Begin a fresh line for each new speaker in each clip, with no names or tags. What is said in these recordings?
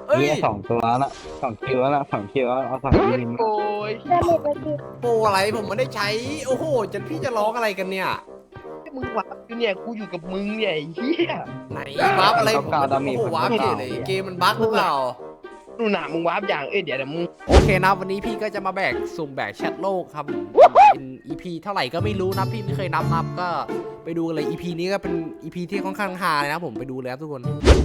เอ้ย
เนี่ย2 ตัวละ2 คิวละ2 คิวเอา2 ทีม
โอ้ย
โปรอะไรผมไม่ได้ใช้ โอ้โหจะพี่จะร้องอะไรกันเนี่ย
มึงวาร์ปอยู่เนี่ยกูอยู่กับมึงเนี่ยไอ้เหี้ย
ไหนวาร์ปอะไรผมโอ้โหวาร์ปเฉยเลยเกมมันบั๊กหรือเปล่า
ดูหนามึงวาร์ปอย่างเดี๋ยวมึง
โอเคนะวันนี้พี่ก็จะมาแบกสุ่มแบกแชทโลกครับเป็น EP เท่าไหร่ก็ไม่รู้นะพี่ไม่เคยนับก็ไปดูกันเลย EP นี้ก็เป็น EP ที่ค่อนข้างฮาเลยนะผมไปดูเลยครับทุกคน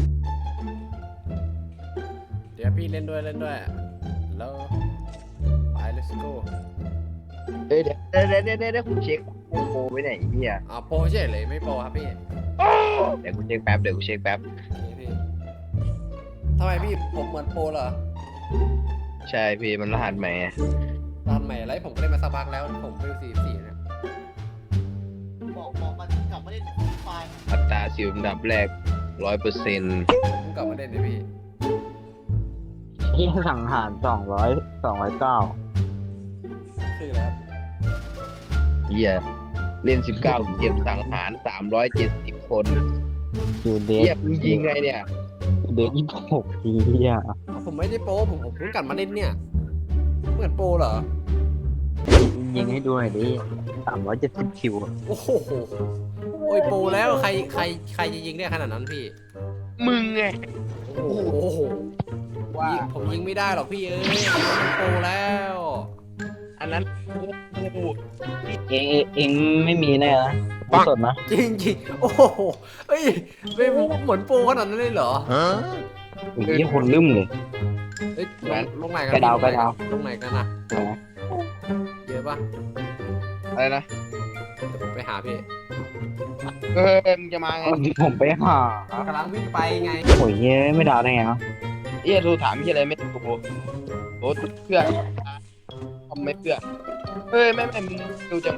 เดี๋ยวพี่เล่นด้วยแล้วไป let's go
เดี๋ยวกูเช็คโปรไว้ไหนไอ้เหี้ย
โปรเฉยเลยไม่โปรครับพี่
เดี๋ยวกูเช็คแป๊บ
โอเคพี่ทำไมพี่ผมเหมือนโปรเหรอ
ใช่พี่มันรหัสใหม่
ตอนใหม่อะไรผมก็เล่นมาสักพักแล้วผมเวล44เนี่ย
บอกมันกลับมาเล่นไฟล์
อัตราสิวอันดับแรก 100%
ผมเพิ่งกลับมาเล่นเลยพี่
ที่สังหาร209
คือแล้ว
เหี้ยเล่น 19 เกมสังหาร 370 คน
อยู่เด
เหี้ย
ท
มึงยิงไงเนี่ย
เดท26 ทีอ่ะ
ผมไม่ได้โปรผมเพิ่งกลับมาเล่นเนี่ยเหมือนโปรเหรอ
ยิงให้ดูหน่อยดิ370 คิวอะ
โอ้โหโอ้ยโปรแล้วใครจะยิงได้ขนาดนั้นพี่
มึงไง
โอ้โห
ว่า
ผมยิงไม่ได้หรอกพี่เอ้ยมันโปรแล้ว
อันนั้นกู
เองไม่มีแน่นะสดนะ
จริงโอ้โหเอ้ยไม่เหมือนโปรขนาดนั้นเลยเหรอ
โอ้ยคนลืมเลย
เอ้ยลงไหนกัน
กระดาว
ลงไหนกันนะเยอะปะ
อะไรนะ
เดี๋ยวผมไปหาพี่
มึงจะมาไง
ผมไปหาก
ำลังวิ่งไปไง
โอ้ยเย้ไม่ดาวได้ไงเนาะ
เอี้ยโทรถามที่อะไรไม่ถูกโอ้เพื่อทำไม่เพื่อไม่มึงดูจัง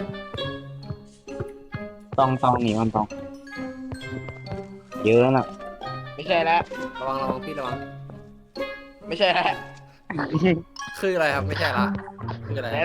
ต้องหนีมันต้องเยอะน่ะ
ไม่ใช่แล้ว
ระวังพี่ระวัง
ไม่ใช่แล้ว
คืออะไรครับไม่ใช่ละคืออะไร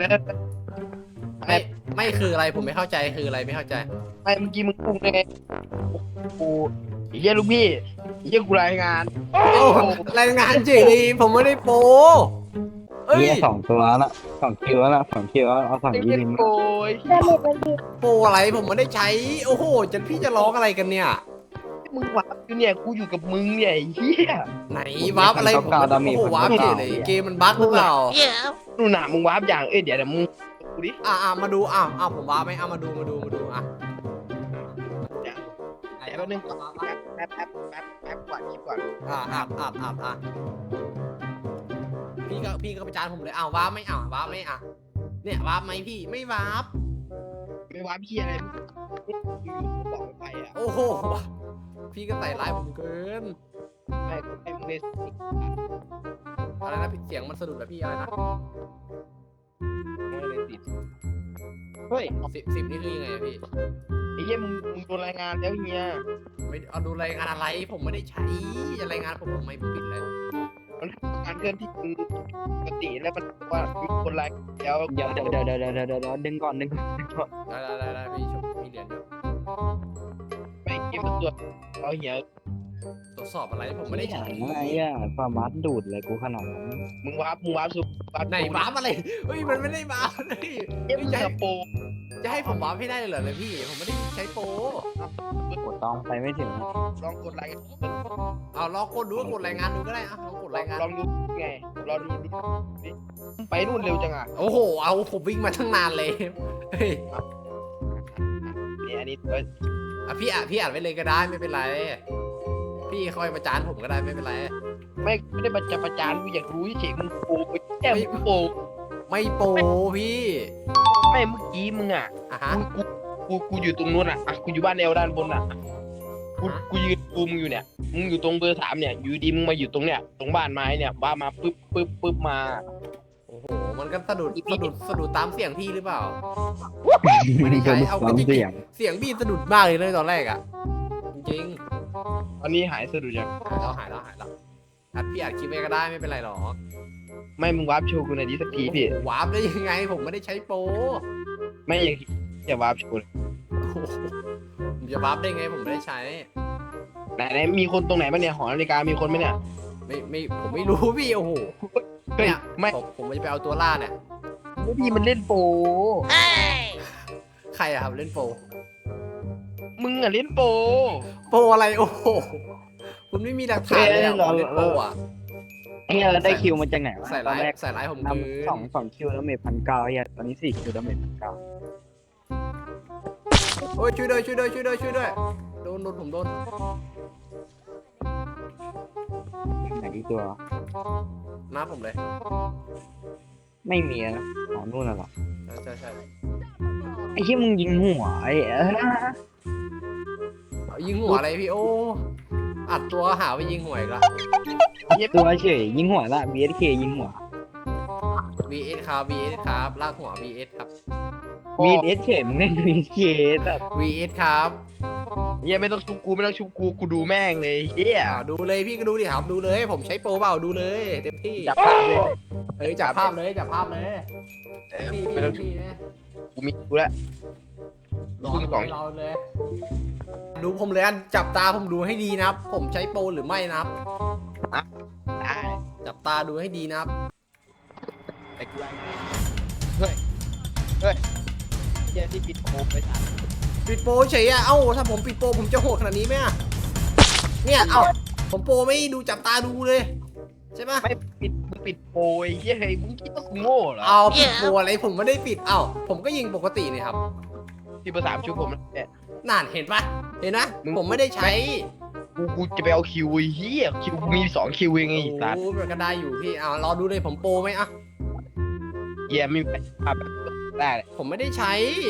ไม่คืออะไรผมไม่เข้าใจคืออะไรไม่เข้าใจ
ไม่เมื่อกี้มึงพูดไงกูเยี่ยลูกพี่เยี่ยกูรายงาน
รายงานจริงผมไม่ได้โปเอ้ย
เนี่ย2 คิวละ2 คิวเอา2
เยี่ย
ทีม
โอ้ย
โปอะไรผมไม่ได้ใช้โอ้โหจะพี่จะร้องอะไรกันเนี่ย
มึงวาร์ปอยู่เนี่ยกูอยู่กับมึงเนี่ยไอ้เหี้ย
ไหนวาร์ปอะไรผมโอ้โหวาร์ปเฉยเลยเกมมันบั๊กหรือเปล่า
ดูหนามึงวาร์ปอย่างเดี๋ยวมึงกูดิ
มาดูผมวาร์ปไหมมาดูอ่ะ
เดี๋ยวแป๊บนึงแป๊บก่อนคลิปก่อน
พี่ก็ประจานผมเลยวาร์ปไม่วาร์ปไม่เนี่ยวาร์ปไหมพี่ไม่วาร์ป
ไม่วาร์ปพี่อะไรอยู่บอกไปอ่ะ
โอ้โหพี่ก็ใส่ร้ายผมเกิน
ไม่มึงเล่น
อะไรนะเสียงมันสะดุดแบบพี่อะไรนะ
ไม่เล่นติดเฮ้ย
10นี่คือยังไงอะพี่
ไอ้เหี้ยมึงโดนรายงานแล้วเฮีย
ไม่เอาดูรายงานอะไรผมไม่ได้ใช้จะรายงานผมทำไมผิดเลย
มันการเคลื่อนที่มึงปกติแล้วมันว่ามีคนรายแล้ว
เดี๋ยวดึงก่อน
ได้พี่ชมมีเหรียญอยู่
ไม่เกมตัวเอาเหี้ย
ตรวจสอบอะไรผมไม่ได้ใช้
ไอ้อะความบัสดูดเลยกูขนาดนั้น
มึงวาร์ปสุด
ไหนวาร์ปอะไรเฮ้ยมันไม่ได้วาร์ปเลย
เกมจะโป
จะให้ผมวาร์ปให้ได้เหรอเลยพี่ผมไม่ได้ใช้โปร
กดต้องไปไม่ถึง
ลองกดไลค์
เอาลองกดดูกดรายงานดูก็ได้อะลองกดรายงาน
ลองดูไงรอดูไปนู่นเร็วจังอ่ะ
โอ้โหเอาผมวิ่งมาตั้งนานเลยเฮ้ย
เนี่ยอันนี้
พี่อ่านไว้เลยก็ได้ไม่เป็นไรพี่คอยประจานผมก็ได้ไม่เป็นไร
ไม่ได้ประจานกูอยากรู้เฉยมึงโปแก้มโป
ไม่โปรพี่
ไม่เมื่อกี้มึงอ่ะ
ฮะ
กูอยู่ตรงนู้นอ่ะกูอยู่บ้านแอลด้านบนอ่ะกูยืนมึงอยู่เนี่ยมึงอยู่ตรงเบอร์3เนี่ยอยู่ดีมึงมาอยู่ตรงเนี้ยตรงบ้านไม้เนี่ยว่ามาปึ๊บมา
โอ้โหมันก็สะดุดตามเสียงพี่หรือเปล่าไม่ได้ใช้เอาจริง
เสียง
เสียงพี่สะดุดมากเลยตอนแรกอ่ะจริง
ตอนนี้หายสะดุดยัง
หายแล้วอัดพี่อัดคลิปไว้ก็ได้ไม่เป็นไรหรอก
ไม่มึงวาร์ปโชว์กูหน่อยดิสักทีพี่
วาร์ปได้ยังไงผมไม่ได้ใช้โปร
ไม่อย่าวาร์ปโชว์เลย
โอ้โหผมจะวาร์ปได้ไงผมไม่ได้ใช้
ไหนมีคนตรงไหนบ้างเนี่ยหอนาฬิกามีคนไหมเนี่ย
ไม่ผมไม่รู้พี่โอ้โห
เฮ้ย
เนี่ย
ไม่
ผมจะไปเอาตัวล่าเนี่ย
พี่มันเล่นโปร
ใครอะครับเล่นโปร
มึงอะเล่นโปร
โปรอะไรโอ้โหคุณไม่มีหลักฐานเลยอะว่าเล่นโปรอะ
ไอ้เหี้ยเราได้คิวมาจากไหนวะ
ใส่
ตอน
ร้าย
แรก
ใส่ร้ายผม
น
คืน
ำสองคิวแล้วเมท1,900ไอ้เหี้ยตอนนี้4คิวแล้วเมท1,900
โอ้ยช่วยด้วยช่วยด้วยช่วยด้วยช่วยด้วยโดนผมโดน
ไหนอีกตัว
น้าผมเลย
ไม่มีนะอ๋อนู่นน่ะเหรอ
ใช่
ไอ้เหี้ยมึงยิงหัวไอ้
เอายิงหัวอะไรพี่โอ้อัดตัวหาไปยิงหัวอีกละ
ตัวเฉยยิงหัวละ BSK ยิงหัว
VS ครับ VS ครับลากหัว VS ครับ
BSK มึงเล่น BSK แต่
VS ครับ
เฮียไม่ต้องชุบกูไม่ต้องชุบกูดูแม่งเลยเฮีย
ดูเลยพี่ก็ดูดิครับดูเลยผมใช้โปรเปล่าดูเลยเต็มที่
จับภาพเลย
เฮ้ยจับภาพเลยจับภาพเลย พี่
ไม่ต้องชุบ
พี่นะ
กูมีกูแล้ว
รอ
คุณกล่อง
เราเลย ดูผมเลยอันจับตาผมดูให้ดีนะครับ ผมใช้โปรหรือไม่นะครับ
ได้
จับตาดูให้ดีนะครับ
แต่กูเฮ้ยเฮียที่ปิดโคมไปสั่น
ปิดโปรเฉยอะเอ้าถ้าผมปิดโปรผมจะโหดขนาดนี้ไหมอะเนี่ยเอ้าผมโปรไม่ดูจับตาดูเลยใช่ปะ
ไม่ปิดโปรไอ้เฮียเฮ้ยมึงคิดว่ากูโง่เหรอ
เอาปิดโปรอะไรผมไม่ได้ปิดเอ้าผมก็ยิงปกตินี่ครับ
ที่เบอร์ 3ชุบผมเนี่ย
นั่นเห็นปะเห็นนะ
มึง
ผมไม่ได้ใช้
กูจะไปเอาคิวไอ้เฮียคิวกูมี2คิวเองไอ้สัส
โอ้มันก็ได้อยู่พี่เอารอดูเลยผมโปรไหมอะ
เฮียไม่มีภาพได้เลย
ผมไม่ได้ใช้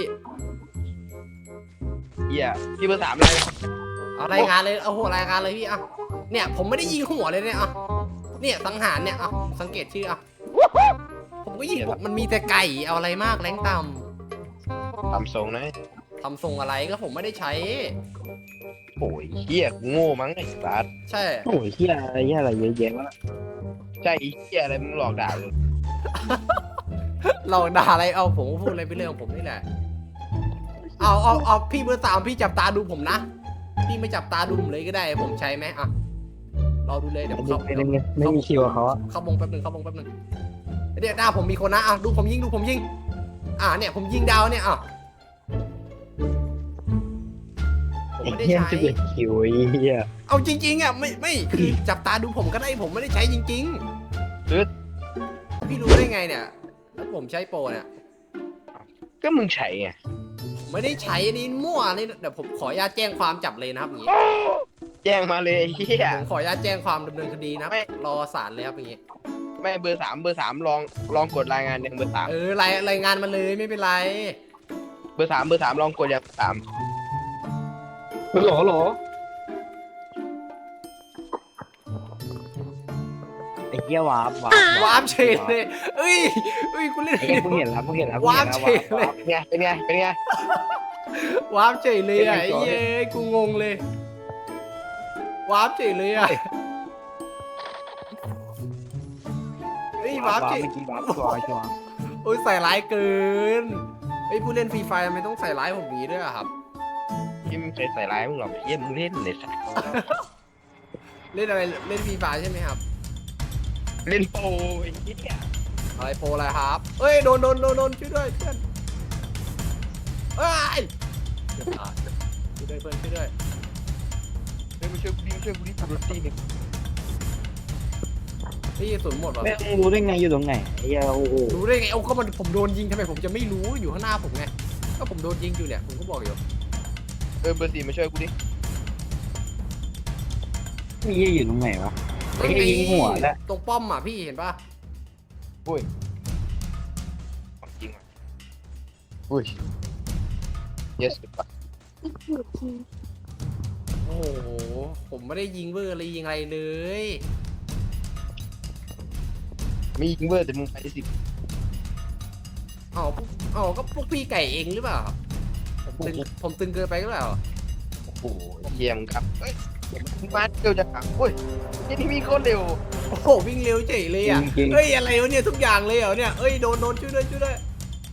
เฮียที่เบอร์ 3เลย
เอารายงานเลยเอาหัวรายงานเลยพี่อะเนี่ยผมไม่ได้ยิงหัวเลยเนี่ยอะเนี่ยสังหารเนี่ยอะสังเกตชื่ออะผมก็ยิงมันมีแต่ไก่เอาอะไรมากแรงต่
ทำทรงนะ
ำทำทรงอะไรก็ผมไม่ได้ใช้
โอ้ยเฮียกูโง่มั้งไอ้สัส
ใช่
โอ้ยเหี้ยอะไรเหี้ยอะไรเยอะแยะวะ
ใช่ไอ้เฮียอะไรมึงหลอกด่าเลย
เราด่าอะไรเอาผมก็พูดอะไรไปเรื่องของผมนี่แหละเอาพี่เบอร์ 3พี่จับตาดูผมนะพี่ไม่จับตาดูผมเลยก็ได้ผมใช้ไหมอะรอดูเลยเดี๋ยวผมเข้า
ไม่มีคิวกับเขาอะ
เข้าวงแป๊บนึงเดี๋ยวหน้าผมมีคนนะอ่ะดูผมยิงเนี่ยผมยิงดาวเนี่ยอ่ะผมไม่ได้
เหี้ย
ใช้
11คิวไอ้เหี้ย
เอาจริงๆอ่ะไม่คือจับตาดูผมก็ได้ผมไม่ได้ใช้จริงๆพี่รู้ได้ไงเนี่ยแล้วผมใช้โปรเนี่ย
ก็มึงใช้ไง
ผมไม่ได้ใช้อันนี้มั่วนี่เดี๋ยวผมขออนุญาตแจ้งความจับเลยนะครับอย่างงี้
แจ้งมาเลยไอ้เฮีย
ผมขออนุญาตแจ้งความดำเนินคดีนะครับ
ไม่
รอศาลเลยครับอย่างงี้
ไม่เบอร์ 3ลองกดรายงานอย่างเบอร์
รายงานมาเลยไม่เป็นไร
3เบอร์ 3ลองกดอย่าง3
หรอไอ้เหี้ยวาร์ป
วาร์ปเฉยเลยเอ้ยกูเล่น
ไอ้เหี้ยเพิ่งเห็นแล้ว
วาร์ปเฉยเลย
เป็นไง
วาร์ปเฉยเลยอ่ะไอ้เย้ยกูงงเลย วาร์ปเฉยเลยอ่ะเฮ้ยวาร์ปเฉย
เมื่อกี้วาร์ปชัวร์
โอ้ยใส่ร้ายเกินไอ้ยผู้เล่นฟรีไฟทำไมต้องใส่ร้ายผมนี้ด้วยอะครับ
ที่มึงเคยใส่ร้ายมึงหรอกเฮียมึงเล่นเลยสัส
เล่นอะไรเล่นฟรีไฟใช่ไหมครับ
เล่นโปรไอ้เฮีย
อะไรโปรอะไรครับเอ้ยโดนช่วยด้วยเพื่อนเอ้ยช่วยด้วยเพื่อนช่วยด้วย
เฮ้ยมาช่วยกูดิกูรถตีหนึ่ง
นี่กระสุนหมดว่ะ
แม่งรู้ได้ไงอยู่ตรงไหนไอ้เหี้ยโอ้โห
รู้ได้ไงเอาก็มันผมโดนยิงทำไมผมจะไม่รู้อยู่ข้างหน้าผมไงก็ผมโดนยิงอยู่เนี่ยผมก็บอกอยู่
เบอร์ 4มาช่วยกูดิ
ไอ้เหี้ยอยู่ตรงไหนวะไอ้เหี้ยยิงหัวแล้ว
ตรงป้อมอ่ะพี่เห็นปะ
ของจริงอ่ะอุ้ยเยสปะ
โอ้โหผมไม่ได้ยิงเวอร์อะไรยิงอะไรเลย
มียิงเวอร์แต่มึงไปสิ
อ๋อก็พวกพี่ไก่เองหรือเปล่าผมตึงเกินไปหรือเปล่า
โอ้โหเยี่ยมครับเฮ้ยมึงมาเร็วจังอ่ะอุ้ยนี่มีคนเร็ว
โอ้โหวิ่งเร็วเฉยเลยอ่ะ
จริง
เอ้ยอะไรวะเนี่ยทุกอย่างเลยเหรอเนี่ยเอ้ยโดนช่วยด้วย
เฮ้ย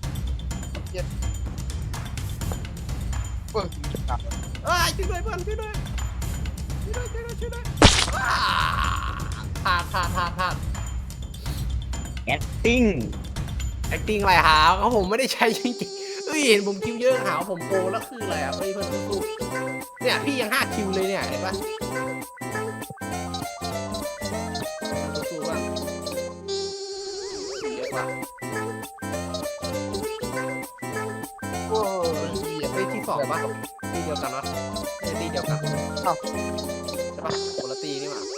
ครับ
เอ้ยช่วยด้วยเพื่อนช่วยด้วยอ้าทพลาด
ติ้ง
acting อะไรหาเขาผมไม่ได้ใช้จริงๆเอ้ยเห็นผมคิวเยอะหาว่าผมโปรแล้วคืออะไรอ่ะเพื่อนสู้ๆเนี่ยพี่ยัง5 คิวเลยเนี่ยเห็นปะสู้ๆบ้างเยอะปะโอ้ยเฮ้ยที่2ปะที่เดียวกันวะที่เดียวกันใช่ปะคนละตีนี่หว่า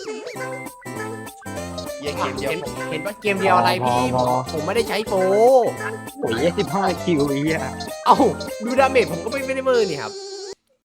เหี้ยเกมเดียว
เห็นปะเกมเดียวอะไรพี่ผมไม่ได้ใช้โปร
โอ้ย15 คิวไอ้เหี้ย
เอ้าดูดาเมจผมก็ไม่ได้เบอร์นี่ครับ